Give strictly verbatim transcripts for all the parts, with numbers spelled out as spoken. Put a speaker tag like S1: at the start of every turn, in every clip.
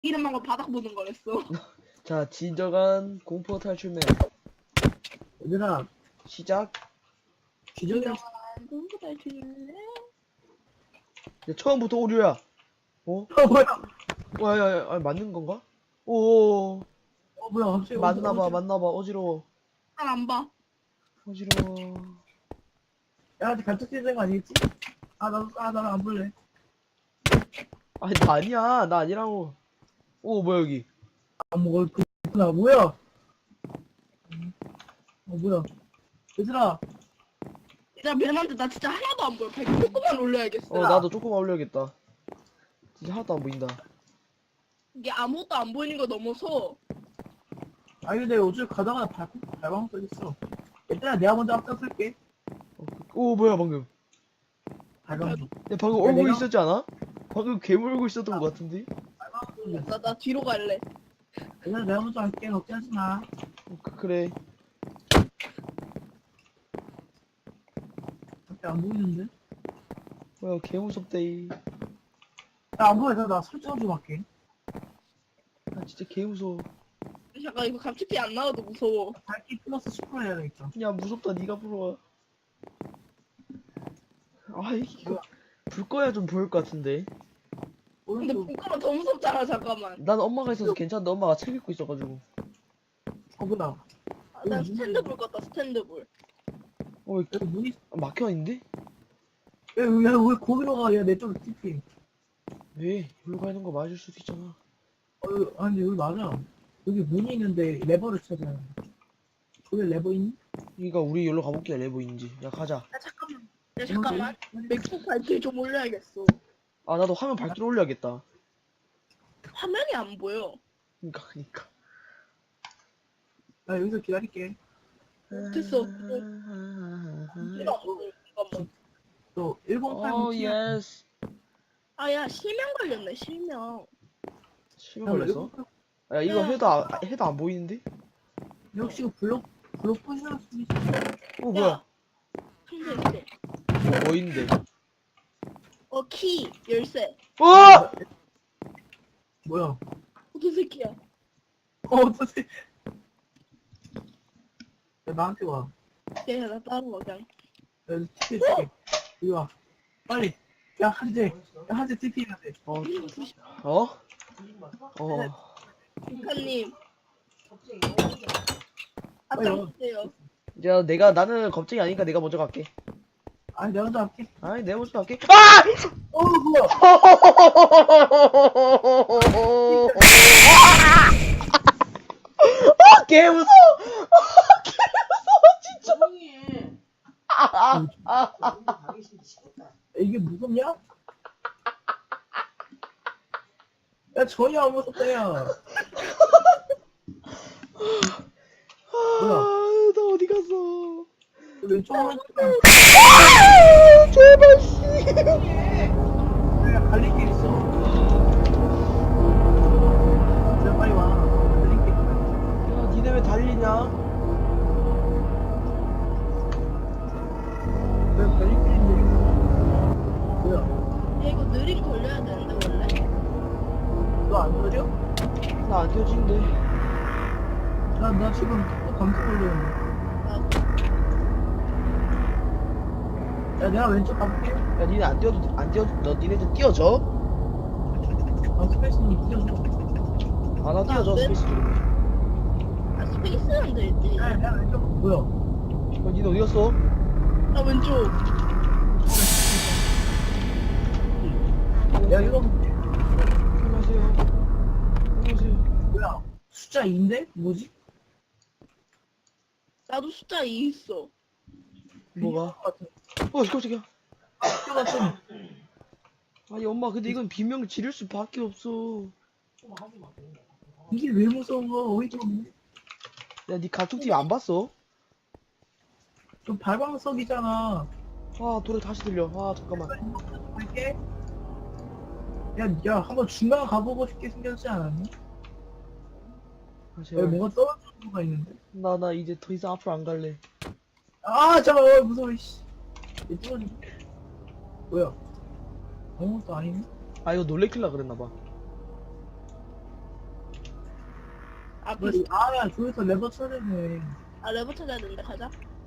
S1: 이름하고 바닥 보는 거랬어.
S2: 자, 진정한 공포 탈출맨
S3: 얘들아,
S2: 시작.
S3: 기존이랑
S1: 공부 잘 치는데?
S2: 야, 처음부터 오류야. 어?
S3: 어 뭐야?
S2: 와, 야, 야, 아, 맞는 건가? 오,
S3: 어 뭐야? 갑자기
S2: 맞나봐,
S3: 어디-
S2: 맞나봐. 어지러워,
S1: 잘안 봐.
S2: 어지러워.
S3: 야, 아직 간척지는 거 아니겠지? 아, 나도 아, 나는 안 볼래.
S2: 아니, 나 아니야, 나 아니라고. 오, 뭐야 여기?
S3: 아, 뭐 그나 뭐야? 어 뭐야? 얘들아,
S1: 야, 미안한데 나 진짜 하나도 안 보여. 백 조금만 올려야겠어.
S2: 어, 나도 조금 올려야겠다. 진짜 하나도 안 보인다.
S1: 이게 아무것도 안 보이는 거 넘어서
S3: 아니 근데 어차피 가다가 발 발광 써있어. 얘들아, 내가 먼저 앞장설게.
S2: 어, 오, 뭐야 방금?
S3: 발광.
S2: 야, 방금
S3: 야,
S2: 얼굴
S3: 내가-
S2: 있었지 않아? 방금 괴물 얼굴 있었던 것 같은데?
S3: 발광.
S1: 나, 나 뒤로 갈래.
S3: 얘들아, 내가 먼저 할게. 걱정하지 마.
S2: 어, 그, 그래.
S3: 밖에 안 보이는데?
S2: 뭐야, 개 무섭대.
S3: 야안 보여. 나 설정 좀 할게.
S2: 아, 진짜 개 무서워.
S1: 잠깐 이거 감치피 안 나와도 무서워.
S3: 밝기 플러스 십 퍼센트 해야 되겠다.
S2: 야, 무섭다. 네가 불러와. 아, 이거 불 꺼야 좀 보일 것 같은데.
S1: 근데
S3: 오른쪽.
S1: 불가면 더 무섭잖아. 잠깐만.
S2: 난 엄마가 있어서 괜찮은데 엄마가 책 읽고 있어가지고.
S3: 어 뭐야?
S1: 아, 나 스탠드 불 껐다. 스탠드 불.
S2: 어, 왜
S3: 여기 문이
S2: 아, 막혀 있는데?
S3: 야, 야, 왜 거기로 가? 야, 내 쪽으로 티피.
S2: 왜? 여기로 가는 거 맞을 수도 있잖아.
S3: 어, 여기- 아니, 근데 여기 맞아. 여기 문이 있는데 레버를 찾아야 돼. 거기 레버 있니?
S2: 그러니까 우리 여기로 가볼게. 레버인지. 야, 가자.
S1: 야, 잠깐만. 야, 잠깐만. 맥북 밝기 좀 올려야겠어.
S2: 아, 나도 화면 밝기로 올려야겠다.
S1: 화면이 안 보여.
S2: 그니까, 그니까.
S3: 나 여기서 기다릴게.
S1: 됐어.
S2: 음.
S1: 잠깐만.
S3: 너 일공팔
S2: 오, 예스.
S1: 아, 야, 실명 걸렸네. 실명.
S2: 시간 걸렸어? 야, 이거 해도, 안- 해도 안 보이는데?
S3: 역시 이거 블록 블록 포지션 수있
S2: 어, 뭐야?
S1: 한대 있대.
S2: 어, 뭐 있는데?
S1: 어, 키, 열쇠.
S2: 어!
S3: 뭐야?
S1: 어떤 새끼야?
S3: 어, 어떡해. 야, 나한테 와.
S1: 야, 나 따로 와, 그냥.
S3: 야, 티피 해줄게. 이리 와. 빨리. 야, 한재. 야, 한재 티피 해야 돼.
S2: 어? 어? 어.
S1: 북한님.
S3: 빨리 와.
S1: 앞장서세요.
S2: 야, 내가, 나는 겁쟁이 아니니까 내가 먼저 갈게.
S3: 아니, 내가 먼저 할게.
S2: 아니, 내가 먼저 갈게. 아!
S3: 어, 뭐야?
S2: 아, 개 무서워. 아, 개 무서워, 진짜. 아, 아, 아.
S3: 야, 이게 무섭냐? 야, 전혀 안 무섭다, 야. 뭐야?
S2: 아, 나 어디 갔어?
S3: 왼쪽 오른쪽.
S2: 아, 제발 씨.
S3: 야, 갈릴 게 있어. 진짜 빨리 와. 갈릴 게 있어.
S2: 야, 니네 왜 달리냐?
S3: 왜 갈릴 게 있는데? 뭐야?
S1: 야, 이거 느림 걸려야 되는데, 원래?
S3: 너 안 느려?
S2: 나 안 켜진대.
S3: 나, 나 지금 또 감기 걸렸는데.
S1: 아,
S3: 야, 내가 왼쪽 가볼게.
S2: 야, 니네 안 뛰어도, 안 뛰어도, 너 니네들 뛰어져?
S3: 아, 스페이스님 뛰어줘.
S2: 아, 나 뛰어져,
S1: 네.
S2: 스페이스 누르면.
S1: 아, 스페이스는 되지.
S3: 야, 내가 왼쪽, 뭐야?
S2: 야, 니네 어디 갔어?
S1: 나 왼쪽.
S3: 야, 이거
S2: 안녕하세요. 안녕하세요.
S3: 뭐야? 숫자 이인데? 뭐지?
S1: 나도 숫자 이 있어.
S2: 뭐가?
S3: 같은.
S2: 어, 깜짝이야.
S3: 숫자가 좀.
S2: 아니, 엄마, 근데 이건 비명 지를 수밖에 없어.
S3: 이게 왜 무서워? 어이가 없네.
S2: 야, 니 가축팀 안 봤어?
S3: 좀 발광석이잖아.
S2: 아, 노래 다시 들려. 아, 잠깐만.
S3: 할게. 야, 야, 한번 중간 가보고 싶게 생겼지 않았니?
S2: 아,
S3: 여기
S2: 제발.
S3: 뭐가 떨어지는 거가 있는데.
S2: 나, 나 이제 더 이상 앞으로 안 갈래.
S3: 아, 잠깐, 어, 무서워, 씨. 얘 떨어지. 뭐야? 아무것도 아니네?
S2: 아, 이거 놀래킬라 그랬나봐.
S1: 아,
S3: 뭐,
S1: 비슷.
S3: 아야 저기서 레버 쳐야 되네.
S1: 아, 레버 찾아야 되는데, 가자.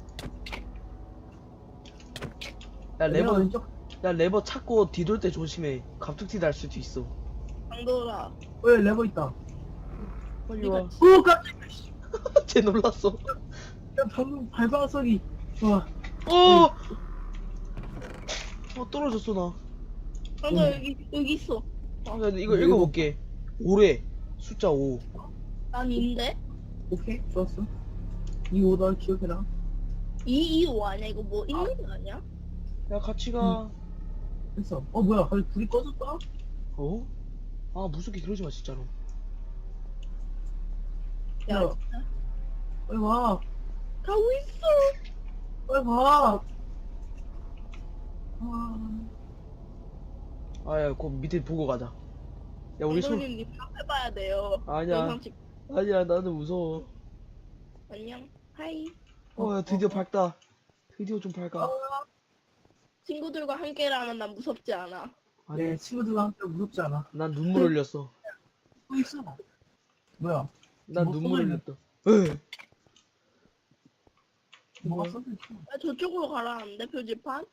S2: 야
S3: 내가
S2: 레버
S3: 왼쪽.
S2: 야 레버 찾고 뒤돌 때 조심해. 갑툭튀 날 수도 있어.
S1: 강도라.
S3: 왜 레버 있다.
S2: 빨리 와.
S3: 오 깜짝이야. 씨.
S2: 쟤 놀랐어.
S3: 야 방금 발바닥 소리. 와.
S2: 어! 어 떨어졌어 나.
S1: 강도
S3: 응.
S1: 여기, 여기 있어.
S2: 아, 야, 이거 읽어볼게. 오래 숫자 오.
S1: 난 인데?
S3: 오케이 좋았어. 이 오더 기억해라.
S1: 이, 이, 오 아니야? 이거 뭐 있는 거 아니야?
S2: 야 같이 가.
S3: 됐어. 어 뭐야? 갑자기 불이 꺼졌다?
S2: 어? 아 무섭게 그러지 마 진짜로.
S1: 야,
S3: 야. 빨리 와.
S1: 가고 있어.
S3: 빨리 와. 아.
S2: 아야 그 밑에 보고 가자. 야 우리 손.
S1: 감독님, 님 카페 봐야 돼요.
S2: 아니야.
S1: 영상 찍.
S2: 아니야 나는 무서워.
S1: 안녕. 하이.
S2: 어야 드디어 밝다. 드디어 좀 밝아.
S1: 친구들과 함께라면 난 무섭지 않아.
S2: 아니
S3: 내 친구들과 함께 무섭지 않아.
S2: 난 눈물 흘렸어.
S3: 또 있어. 뭐야?
S2: 난
S3: 뭐
S2: 눈물
S3: 써있네.
S2: 흘렸다. 에.
S3: 뭐가 써있어?
S1: 야, 저쪽으로 가라는데, 표지판?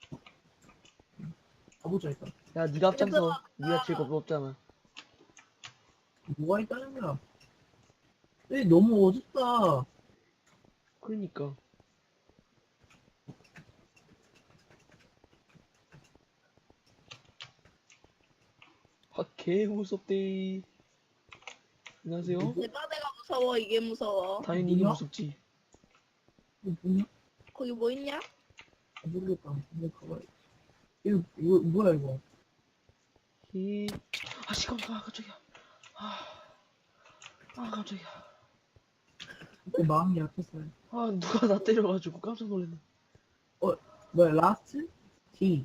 S3: 가보자 일단.
S2: 야 네가 앞장서. 네가 제일 겁없잖아.
S3: 뭐가 있다는 거야? 에 너무 어둡다.
S2: 그러니까. 아 개 무섭대. 안녕하세요.
S1: 내가 내가 무서워, 이게 무서워.
S2: 당연히 이게
S3: 뭐야?
S2: 무섭지.
S3: 이거 뭐냐?
S1: 거기 뭐 있냐?
S3: 아, 모르겠다. 이거 가봐. 이거 이거 뭐야 이거?
S2: 히. 아 시간 아 깜짝이야. 아, 아 깜짝이야.
S3: 내 마음이 약했어요.
S2: 아 누가 나 때려가지고 깜짝 놀랐네.
S3: 뭐야 라스트? D.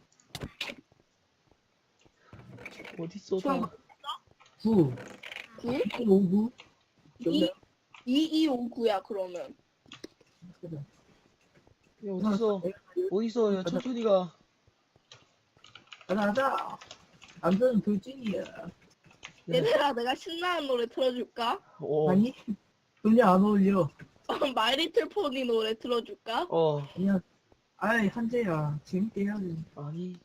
S2: 어딨어
S1: 중앙
S2: 다.
S3: 구.
S1: 구?
S3: 오구.
S1: 이? 이, 이, 오, 구야, 그러면.
S2: 야 어딨어? 어딨어? 야 천천히 가.
S3: 가자 가자. 남자는 돌진이야.
S1: 얘들아, 내가 신나는 노래 틀어줄까?
S2: 어.
S3: 아니? 전혀 안 어울려.
S1: 마이리틀 포니 노래 틀어줄까?
S2: 어.
S3: 그냥 아이 한재야 재밌게 해야지.
S2: 아니.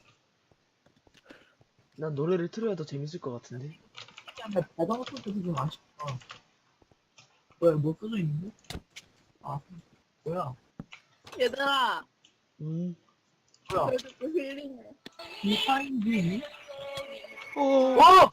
S2: 난 노래를 틀어야 더 재밌을 것 같은데.
S3: 근데 바다가 써도 좀 아쉽다. 뭐야 뭐 써져 있는데? 아 뭐야?
S1: 얘들아,
S2: 음.
S3: 뭐야?
S1: 그래도 좀 힐링해.
S3: 이 파인드?
S2: 어.
S3: 어!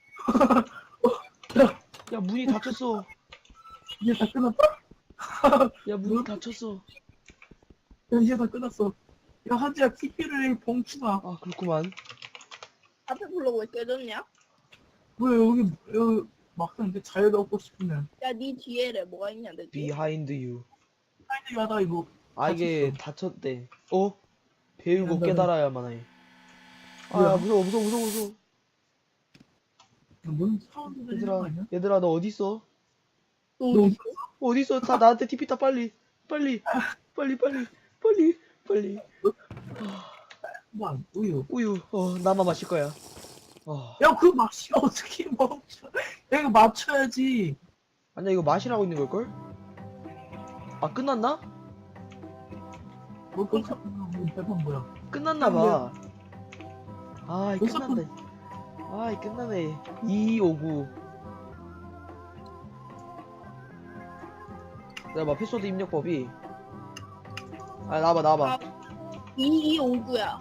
S2: 야 문이 닫혔어.
S3: 이제 다 끝났다?
S2: 야 문이 닫혔어.
S3: 야 이제 다 끝났어. 야 한재야 티피를 봉추마.
S2: 아 그렇구만.
S1: 앞에 불러고 왜 깨졌냐?
S3: 왜 여기 여기 막상 이제 자유를 얻고 싶으면
S1: 야, 니 뒤에래. 뭐가 있냐, 내 뒤에.
S2: Behind you.
S3: 파인드 하다 이거
S2: 아 이게 닫혔대. 어? 배우고
S3: 미안하다.
S2: 깨달아야만 해. 아
S3: 뭐야?
S2: 야, 무서워 무서워 무서워 무서워.
S3: 뭔 사운드 들리는 거
S2: 얘들아
S3: 아니야?
S2: 얘들아 너 어딨어?
S1: 너
S3: 너
S1: 어디 있어?
S2: 어딨어? 다 나한테 티피 타 빨리 빨리 빨리 빨리 빨리 빨리.
S3: 뭐 우유.
S2: 우유. 어 나만 마실 거야. 어.
S3: 야 그거 마시면 어떻게 멈춰? 야 이거 맞춰야지.
S2: 아니야 이거 마시라고 있는 걸걸? 아 끝났나?
S3: 뭐 깜짝 놀라. 대판 뭐야?
S2: 끝났나봐. 아이
S3: 벌써
S2: 끝났네. 아이 끝나네. 이오구. 내가 봐 패스워드 입력법이. 아 나와봐 나와봐.
S1: 이, 이, 오, 구야.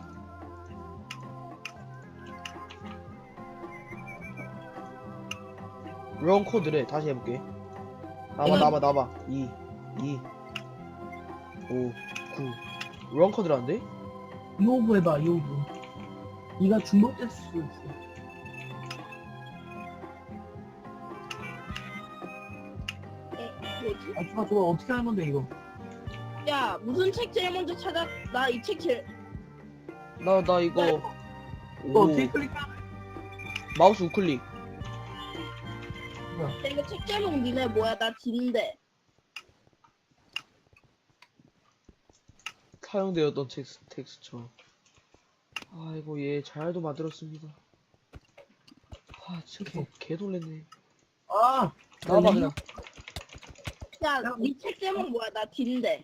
S2: 런 코드래. 다시 해볼게. 나와봐
S1: 이건-
S2: 나와봐 나와봐. 이, 이, 오, 구. 런 코드라는데?
S3: 이오구 해봐 이오구. 이가 중복됐을 수 있어.
S1: 에, 뭐지?
S3: 아 좋아 좋아 어떻게 하는 건데 이거?
S1: 야, 무슨 책 제일 먼저 찾아? 나 이 책 제일.
S2: 나 나 이거.
S3: 이거
S2: 오,
S3: 어떻게 클릭해?
S2: 마우스 우클릭.
S3: 뭐야?
S1: 야, 이거 책 제목 니네 뭐야? 나 진데.
S2: 사용되었던 텍스, 텍스처. 아이고 얘 잘도 만들었습니다. 아 진짜 개, 개 놀랬네.
S3: 아 아,
S2: 나와봐 그냥.
S1: 야, 니 책 제목 뭐야? 나 D인데.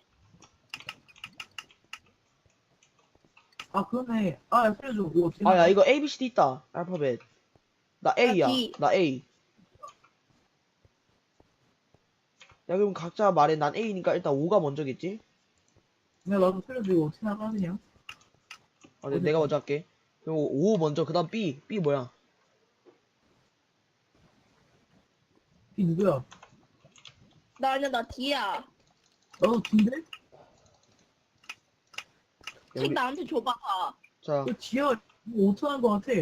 S3: 아, 그러네. 아, 야, 살려줘. 이거 어떻게
S2: 아 야
S3: 나가?
S2: 이거 A B C D 있다. 알파벳. 나 A야.
S1: D.
S2: 나 A. 야 그럼 각자 말해. 난 A니까 일단 오가 먼저겠지?
S3: 야, 나도 살려줘. 이거 어떻게 나가, 그냥?
S2: 아, 네, 내가 먼저 할게. 그리고 오 먼저. 그 다음 B. B 뭐야?
S3: 이 누구야?
S1: 나 아니야, 나 D야.
S3: 나도 D인데?
S2: 야,
S1: 책
S2: 우리-
S1: 나한테 줘봐. 봐.
S2: 자,
S3: 이거 D야, 이거 오토한 거 같아.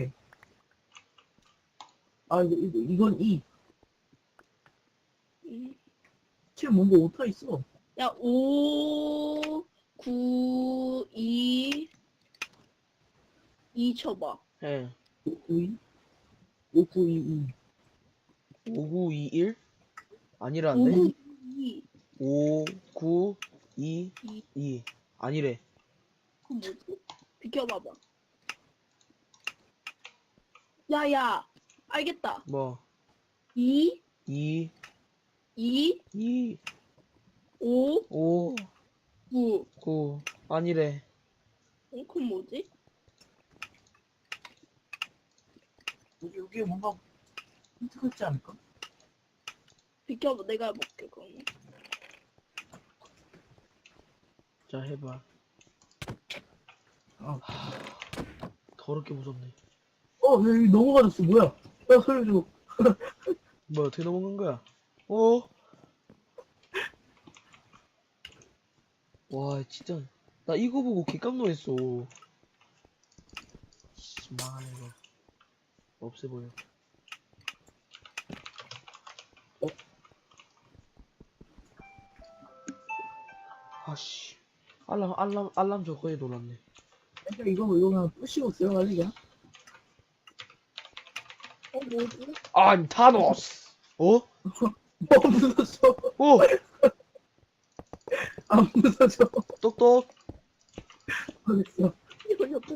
S3: 아, 이거, 이거, 이건 E.
S1: 음.
S3: 지금 뭔가 오토 있어.
S1: 야, 오, 구, 이, 이 쳐봐.
S2: 예.
S3: 오, 구, 이? 오, 구, 이, 이.
S2: 오, 구, 이, 일?
S1: 오,
S2: 아니라는데?
S1: 구, 이.
S2: 오, 구, 이,
S1: 이.
S2: 이. 아니래.
S1: 그건 뭐지? 비켜봐봐. 야, 야. 알겠다.
S2: 뭐,
S1: 이,
S2: 이,
S1: 이,
S2: 이,
S1: 오,
S2: 오,
S1: 구.
S2: 구. 아니래.
S1: 어, 그건 뭐지?
S3: 여기, 여기 뭔가 힌트가 있지 않을까?
S1: 비켜봐. 내가 해볼게, 그러면.
S2: 자, 해봐.
S3: 어.
S2: 더럽게 무섭네.
S3: 어, 야, 여기 넘어가졌어. 뭐야? 야, 살려줘.
S2: 뭐야, 어떻게 넘어간 거야? 어? 와, 진짜. 나 이거 보고 개깜놀했어. 씨, 망하네, 이거. 없애 보여.
S3: 어?
S2: 아씨. 알람, 알람, 알람 저거에 놀았네.
S3: 야, 이거, 이거 그냥 부시고 들어갈래, 그냥?
S1: 어, 뭐지?
S2: I'm 타노스! 어?
S3: 어, 무서져.
S2: 어!
S3: 안 무서져.
S2: 똑똑!
S3: 알겠어.
S1: 이거 옆에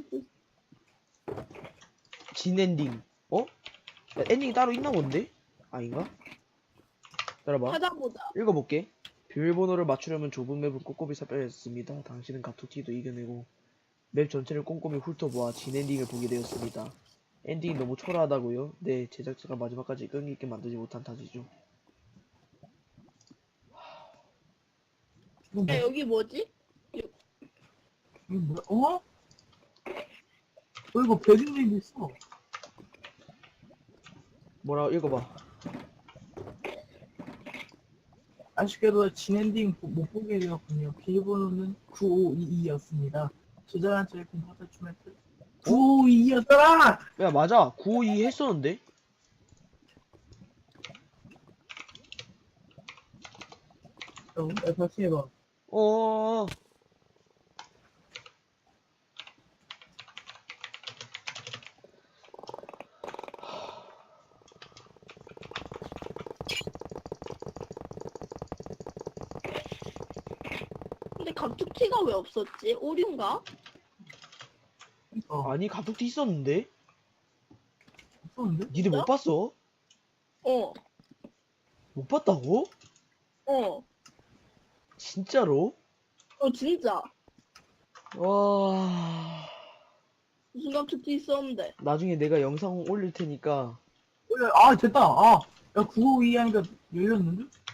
S2: 진 엔딩. 어? 야, 엔딩이 따로 있나 본데? 아닌가? 기다려봐.
S1: 찾아보자.
S2: 읽어볼게. 비밀번호를 맞추려면 좁은 맵을 꼼꼼히 살펴야했습니다. 당신은 가토티도 이겨내고 맵 전체를 꼼꼼히 훑어보아 진 엔딩을 보게 되었습니다. 엔딩이 너무 초라하다고요? 네, 제작자가 마지막까지 끈기 있게 만들지 못한 탓이죠.
S3: 이거
S1: 야,
S3: 뭐,
S1: 여기 뭐지?
S3: 이거 뭐야? 어? 어, 이거 배경님도 있어.
S2: 뭐라고 읽어봐.
S3: 아쉽게도 진엔딩 보- 못 보게 되었군요. 비밀번호는 구오이이였습니다. 조잘한 저의 공부하다 주멘트 구오이이였더라!
S2: 야, 맞아. 구오이 했었는데?
S3: 어, 야, 다시 해봐.
S2: 어어어.
S1: 근데 감축키가 왜 없었지? 오류인가?
S3: 어,
S2: 아니, 가족도 있었는데?
S3: 없었는데?
S2: 니들 못 봤어?
S1: 어,
S2: 못 봤다고?
S1: 어,
S2: 진짜로?
S1: 어, 진짜.
S2: 와.
S1: 무슨 감축키 있었는데.
S2: 나중에 내가 영상 올릴 테니까
S3: 어, 야, 아, 됐다. 아, 야, 구오이이 하니까 열렸는데?